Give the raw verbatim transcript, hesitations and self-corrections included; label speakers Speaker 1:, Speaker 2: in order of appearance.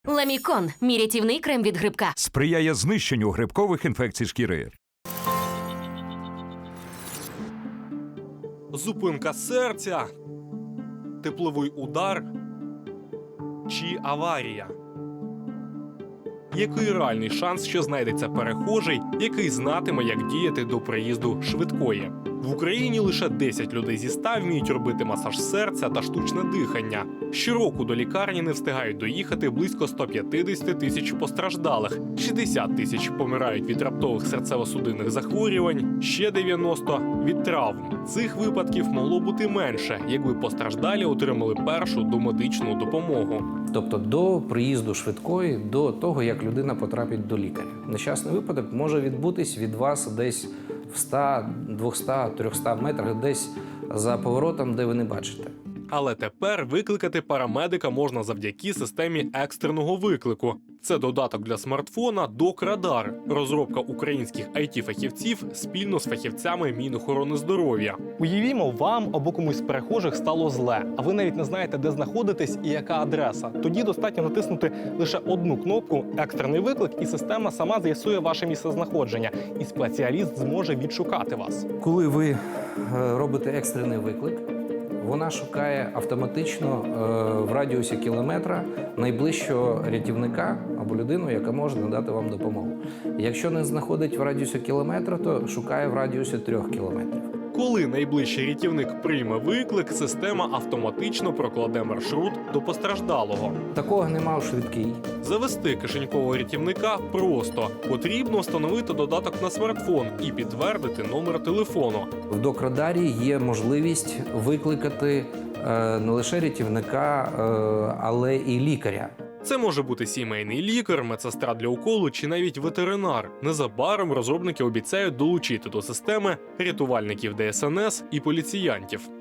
Speaker 1: Ламікон – мій рятівний крем від грибка.
Speaker 2: Сприяє знищенню грибкових інфекцій шкіри.
Speaker 3: Зупинка серця, тепловий удар чи аварія. Який реальний шанс, що знайдеться перехожий, який знатиме, як діяти до приїзду швидкої? В Україні лише десять людей зі ста вміють робити масаж серця та штучне дихання. Щороку до лікарні не встигають доїхати близько сто п'ятдесят тисяч постраждалих, шістдесят тисяч помирають від раптових серцево-судинних захворювань, ще дев'яносто – від травм. Цих випадків могло бути менше, якби постраждалі отримали першу домедичну допомогу.
Speaker 4: Тобто до приїзду швидкої, до того, як людина потрапить до лікаря. Нещасний випадок може відбутись від вас десь в ста, двохстах, трьохстах метрах, десь за поворотом, де ви не бачите.
Speaker 3: Але тепер викликати парамедика можна завдяки системі екстреного виклику. Це додаток для смартфона «Док-Радар», розробка українських ай ті-фахівців спільно з фахівцями Мінохорони здоров'я.
Speaker 5: Уявімо, вам або комусь з перехожих стало зле, а ви навіть не знаєте, де знаходитесь і яка адреса. Тоді достатньо натиснути лише одну кнопку «Екстрений виклик» і система сама з'ясує ваше місцезнаходження, і спеціаліст зможе відшукати вас.
Speaker 4: Коли ви е, робите екстрений виклик, вона шукає автоматично е, в радіусі кілометра найближчого рятівника або людину, яка може надати вам допомогу. Якщо не знаходить в радіусі кілометра, то шукає в радіусі трьох кілометрів.
Speaker 3: Коли найближчий рятівник прийме виклик, система автоматично прокладе маршрут до постраждалого.
Speaker 4: Такого нема у швидкій.
Speaker 3: Завести кишенькового рятівника просто. Потрібно встановити додаток на смартфон і підтвердити номер телефону.
Speaker 4: В Док-Радарі є можливість викликати е, не лише рятівника, е, але і лікаря.
Speaker 3: Це може бути сімейний лікар, медсестра для уколу чи навіть ветеринар. Незабаром розробники обіцяють долучити до системи рятувальників де ес ен ес і поліціянтів.